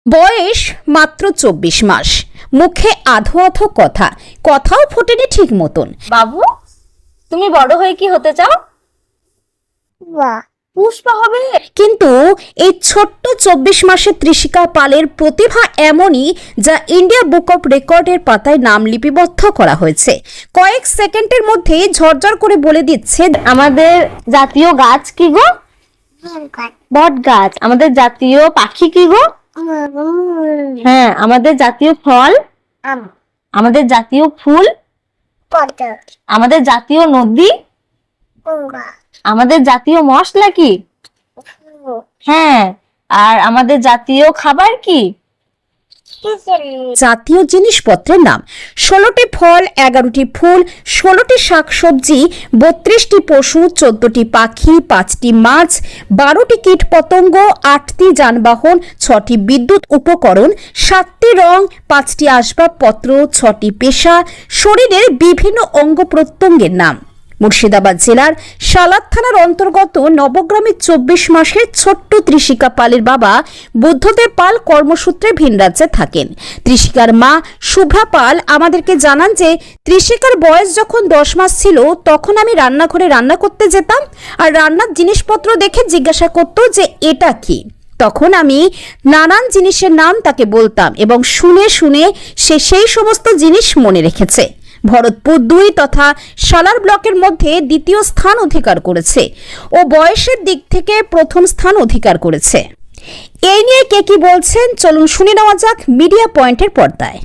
বয়স মাত্র ২৪ মাস, মুখে আধো আধো কথা, কথাও ফোটেনি ঠিক মতন। বাবু, তুমি বড় হয়ে কি হতে চাও? পুষ্পা হবে। কিন্তু এই ছোট্ট ২৪ মাসের ত্রিশিকা পালের প্রতিভা এমনই, যা ইন্ডিয়া বুক অফ রেকর্ডের পাতায় নাম লিপিবদ্ধ করা হয়েছে। কয়েক সেকেন্ডের মধ্যেই ঝরঝর করে বলে দিচ্ছে আমাদের জাতীয় গাছ কি গো? বট গাছ। আমাদের জাতীয় পাখি কি গো? হ্যাঁ। আমাদের জাতীয় ফল? আমাদের জাতীয় ফুল? আমাদের জাতীয় নদী? আমাদের জাতীয় মশলা কি? হ্যাঁ। আর আমাদের জাতীয় খাবার কি? জাতীয় জিনিসপত্রের নাম: ১৬টি ফল, ১১টি ফুল, ১৬টি শাকসবজি, ৩২টি পশু, ১৪টি পাখি, ৫টি মাছ, ১২টি কীট পতঙ্গ, ৮টি যানবাহন, ৬টি বিদ্যুৎ উপকরণ, ৭টি রং, ৫টি আসবাবপত্র, ৬টি পেশা, শরীরের বিভিন্ন অঙ্গ প্রত্যঙ্গের নাম। মুর্শিদাবাদ জেলার সালাদ থানার অন্তর্গত নবগ্রামের ২৪ মাসের ছোট্ট ত্রিশিকা পালের বাবা বুদ্ধদেব পাল কর্মসূত্রে ভিন রাজ্যে থাকেন। ত্রিশিকার মা শুভ্রা পাল আমাদেরকে জানান যে ত্রিশিকার বয়স যখন ১০ মাস ছিল, তখন আমি রান্নাঘরে রান্না করতে যেতাম, আর রান্নার জিনিসপত্র দেখে জিজ্ঞাসা করতো যে এটা কি। তখন আমি নানান জিনিসের নাম তাকে বলতাম এবং শুনে শুনে সে সেই সমস্ত জিনিস মনে রেখেছে। ভরতপুর ২ তথা সালার ব্লকের মধ্যে দ্বিতীয় স্থান অধিকার করেছে ও বয়সের দিক থেকে প্রথম স্থান অধিকার করেছে। এই নিয়ে কে কি বলছেন চলুন শুনে নেওয়া যাক মিডিয়া পয়েন্টের পর্দায়।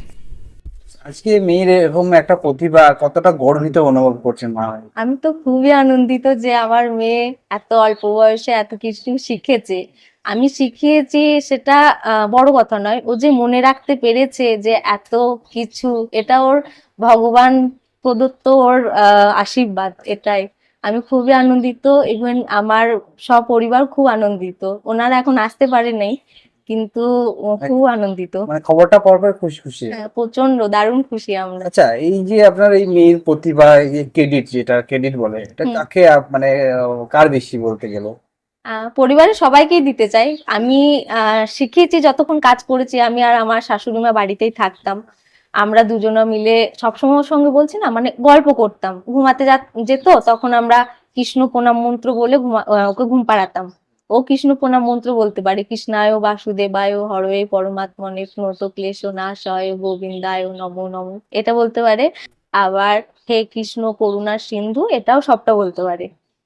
আজকে মেয়ের এরকম একটা প্রতিভা, কতটা গর্বিত অনুভব করছেন মা? আমি তো খুবই আনন্দিত যে আমার মেয়ে এত অল্প বয়সে এত কিছু শিখেছে। আমি শিখিয়েছি সেটা বড় কথা নয়, ও যে মনে রাখতে পেরেছে যে এত কিছু, এটা ওর ভগবান প্রদত্ত ওর আশীর্বাদ। এটাই আমি খুবই আনন্দিত। ইভেন আমার সপরিবার খুব আনন্দিত। ওনারা এখন আসতে পারে নাই, কিন্তু খুব আনন্দিত। মানে খবরটা পাওয়ার পর খুশি খুশি? প্রচন্ড দারুণ খুশি আমরা। আচ্ছা, এই যে আপনার এই মেয়ের প্রতিভা, এই যে ক্রেডিট, যেটা ক্রেডিট বলে, এটা কাকে মানে কার বেশি বলতে গেলে? পরিবারের সবাইকেই দিতে চাই। আমি শিখিয়েছি, যতক্ষণ কাজ করেছি আমি আর আমার শাশুড়ি মা বাড়িতেই থাকতাম। আমরা দুজনে মিলে সবসময় ওর সঙ্গে বলছি না, মানে গল্প করতাম। ঘুমাতে যেত, তখন আমরা কৃষ্ণ প্রণাম মন্ত্র বলে ওকে ঘুম পাড়াতাম। ও কৃষ্ণ প্রণাম মন্ত্র বলতে পারে, কৃষ্ণায় বাসুদেবায় হরয়ে পরমাত্মনে প্রণত ক্লেশ নাশয় গোবিন্দায় নমো নমো, এটা বলতে পারে। আবার হে কৃষ্ণ করুণার সিন্ধু, এটাও সবটা বলতে পারে।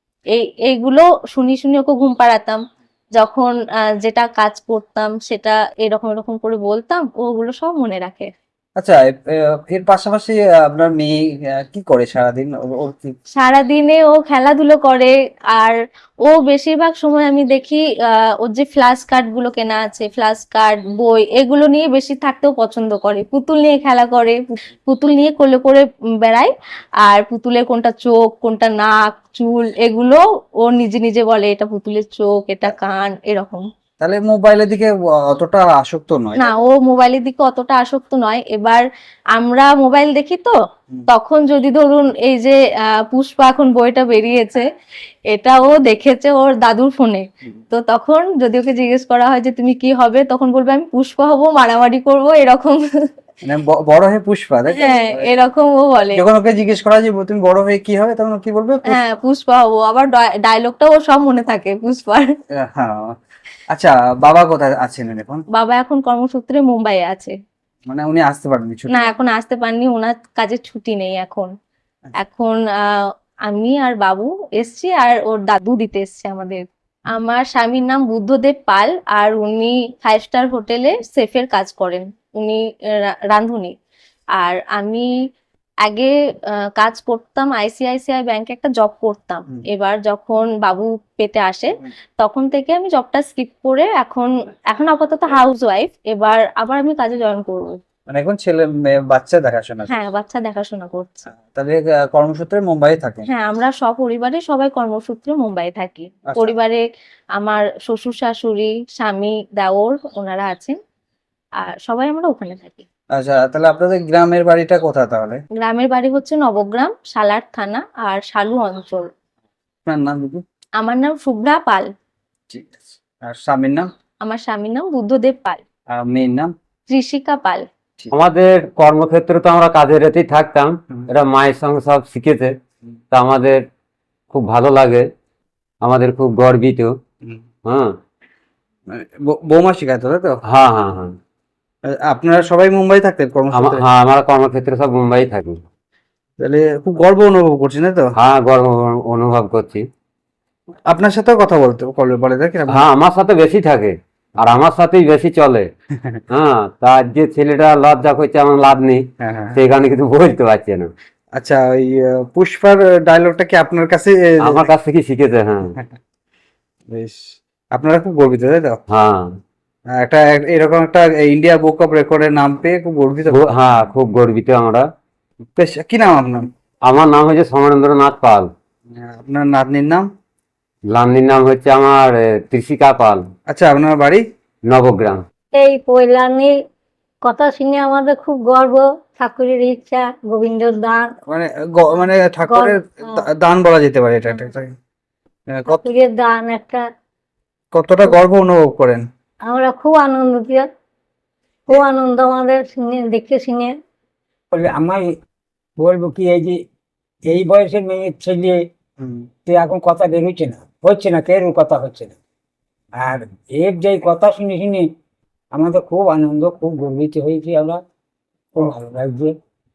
এইগুলো শুনি শুনি ওকে ঘুম পাড়াতাম। যখন যেটা কাজ করতাম সেটা এরকম এরকম করে বলতাম, ওগুলো সব মনে রাখে। আচ্ছা, এর পাশাপাশি আপনার মেয়ে কি করে সারাদিন? ওর কি? সারাদিনে ও খেলাধুলো করে। আর ও বেশিরভাগ সময় আমি দেখি ওর যে ফ্ল্যাশ কার্ড গুলো কেনা আছে, ফ্ল্যাশ কার্ড, বই, এগুলো নিয়ে বেশি থাকতেও পছন্দ করে। পুতুল নিয়ে খেলা করে, পুতুল নিয়ে কোলে করে বেড়ায়। আর পুতুলের কোনটা চোখ, কোনটা নাক, চুল, এগুলো ও নিজে নিজে বলে এটা পুতুলের চোখ, এটা কান, এরকম। তাহলে মোবাইলের দিকে অতটা আসক্ত নয়? না, ও মোবাইলের দিকে অতটা আসক্ত নয়। এবার আমরা মোবাইল দেখি তো, তখন যদি ধরুন এই যে পুষ্পা এখন বইটা বেরিয়েছে, এটা ও দেখেছে ওর দাদুর ফোনে। তো তখন যদি ওকে জিজ্ঞেস করা হয় যে তুমি কি হবে, তখন বলবে আমি পুষ্পা হব, মারামারি করব, এরকম। মানে বড় হয়ে পুষ্পা, তাই তো? হ্যাঁ, এরকম ও বলে। যখন ওকে জিজ্ঞেস করা যে তুমি বড় হয়ে কি হবে, তখন ও কি বলবে? হ্যাঁ, পুষ্পা হব। আবার ডায়লগটা ও সব মনে থাকে পুষ্পার। হ্যাঁ। আচ্ছা, বাবা কোথায় আছেন এখন? বাবা এখন কর্মসূত্রে মুম্বাইয়ে আছে। মানে উনি আসতে পারেননি ছুটি? না, এখন আসতে পারেনি, ওনার কাজের ছুটি নেই এখন। এখন আমি আর বাবু এসছি, আর ওর দাদু দিতে এসছে আমাদের। আমার স্বামীর নাম বুদ্ধদেব পাল, আর উনি 5 স্টার হোটেলে শেফের কাজ করেন। উনি রাঁধুনি। আর আমি আগে কাজ করতাম আইসিআইসিআই ব্যাংকে, একটা জব করতাম। এবার যখন বাবু পেটে আসে, তখন থেকে আমি জবটা স্কিপ করে এখন এখন আপাতত হাউস ওয়াইফ। এবার আবার আমি কাজে জয়েন করবো। মানে এখন ছেলে মেয়ে বাচ্চা দেখাশোনা? হ্যাঁ, বাচ্চা দেখাশোনা করছে। তাহলে কর্মসূত্রে মুম্বাই থাকেন? হ্যাঁ, আমরা সপরিবারে সবাই কর্মসূত্রে মুম্বাই থাকি। আচ্ছা। পরিবারে আমার শ্বশুর শাশুড়ি, স্বামী, দেওর, ওনারা আছেন। আর সবাই আমরা ওখানে থাকি। আচ্ছা, তাহলে আপনাদের গ্রামের বাড়িটা কোথায় তাহলে? গ্রামের বাড়ি হচ্ছে নবগ্রাম, সালার থানা আর শালু অঞ্চল। আপনার নাম দিদি? আমার নাম শুভ্রা পাল। ঠিক আছে। আর স্বামীর নাম? আমার স্বামীর নাম বুদ্ধদেব পাল। আর মেয়ের নাম? ঋষিকা পাল। আমাদের কর্মক্ষেত্রে তো আমরা কাজের এতেই থাকতাম, হুম। এরা মায়ের সঙ্গে সব শিখেছে, তা আমাদের খুব ভালো লাগে, আমাদের খুব গর্বিত। হ্যাঁ মানে বৌমা শিখাতো, তাই তো? হ্যাঁ হ্যাঁ হ্যাঁ আপনারা সবাই মুম্বাই থাকতেন কর্মসূত্রে? হ্যাঁ আমরা কর্মক্ষেত্রে সব মুম্বাই থাকি। তাহলে খুব গর্ব অনুভব করছেন, তাই তো? হ্যাঁ গর্ব অনুভব করছি। আপনার সাথেও কথা বলে থাকে না? হ্যাঁ আমার সাথে বেশি থাকে, আর আমার সাথেই বেশি চলে। হ্যাঁ তার যে ছেলেটা লজ্জা করছে আমার লাভ নেই, হ্যাঁ, হ্যাঁ। সেখানে কিন্তু বলতে পারছে না। আচ্ছা, ওই পুষ্পার ডায়লগটা কি আপনার কাছে আমার কাছ থেকে শিখেছে। হ্যাঁ বেশ, আপনারা খুব গর্বিত, তাই তো? হ্যাঁ এরকম একটা ইন্ডিয়া বুক অফ রেকর্ডের নাম পেয়ে খুব গর্বিত। হ্যাঁ খুব গর্বিত আমরা। বেশ, কি নাম আপনার? আমার নাম হচ্ছে সমরেন্দ্রনাথ পাল। আপনার নাতনির নাম? নাতনির নাম হচ্ছে আমার ত্রিশিকা পাল। আচ্ছা, আপনার বাড়ি? নবগ্রাম। এই পৈলানির কথা শুনে আমাদের খুব গর্ব। ঠাকুরের ইচ্ছা, গোবিন্দর দান, মানে ঠাকুরের দান বলা যেতে পারে এটা একটা। ঠাকুরের দান একটা। কতটা গর্ব অনুভব করেন? আমরা খুব আনন্দিত, খুব আনন্দ আমাদের শুনে, দেখে শুনে। বলে আমার বলবো কি, এই যে এই বয়সের মেয়ের ছেলে তো এখন কথা বের হচ্ছে না কেউ কথা হচ্ছে না। আর এর যে কথা শুনে শুনে আমাদের খুব আনন্দ, খুব গর্বিত হয়েছি আমরা, খুব ভালো লাগছে।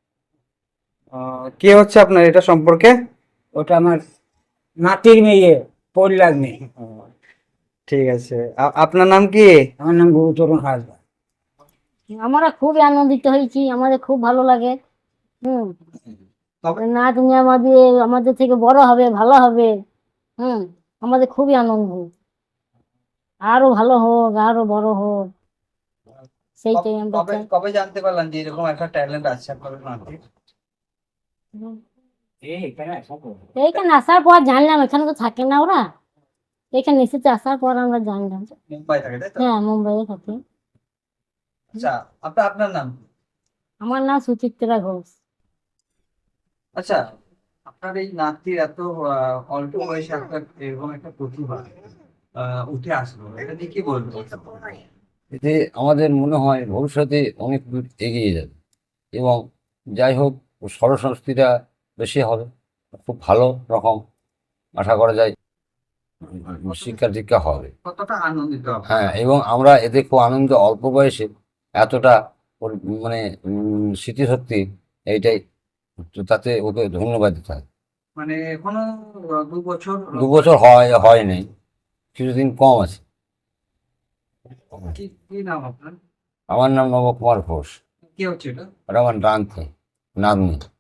কে হচ্ছে আপনার এটা সম্পর্কে? ওটা আমার নাতির মেয়ে, পরিলাগ মেয়ে। ঠিক আছে, আপনার নাম কি? আমার নাম গুরুচরণ হাসদা। আমরা খুবই আনন্দিত হয়েছি, আমাদের খুব ভালো লাগে। না তুমি আমাদের থেকে বড় হবে, ভালো হবে। আমাদের খুবই আনন্দ, আরো ভালো হোক, আরো বড় হোক, সেইটাই আমরা চাই। কবে জানতে পারলাম যে এরকম একটা ট্যালেন্ট আছে আপনাদের নাতির? এইখানে আসার পর জানলাম, এখানে তো থাকে না ওরা, এখানে এসেছে আসার পর আমরা জানলাম। মুম্বাই থাকে, তাই তো? হ্যাঁ, মুম্বাইয়ে থাকে। আচ্ছা, আপনার নাম? আমার নাম সুচিত্রা ঘোষ। আচ্ছা, আপনার এই নাতির এত অল্প বয়সে আপনার এরকম একটা প্রতিভা উঠে আসলো, এটা নিয়ে কি বলবো? এতে আমাদের মনে হয় ভবিষ্যতে অনেক দূর এগিয়ে যাবে, এবং যাই হোক স্বরসংস্কৃতিটা বেশি হবে, খুব ভালো রকম আশা করা যায় শিক্ষা দীক্ষা হবে। কতটা আনন্দিত আপনি? হ্যাঁ, এবং আমরা এতে খুব আনন্দ, অল্প বয়সে এতটা মানে স্মৃতিশক্তি, এইটাই তো, তাতে ওকে ধন্যবাদ দিতে হয়। মানে এখনো 2 বছর? 2 বছর হয় নাই, কিছুদিন কম আছে। কি নাম আপনার? আমার নাম নবকুমার ঘোষ। কি হচ্ছে এটা? ওটা আমার নাতনি।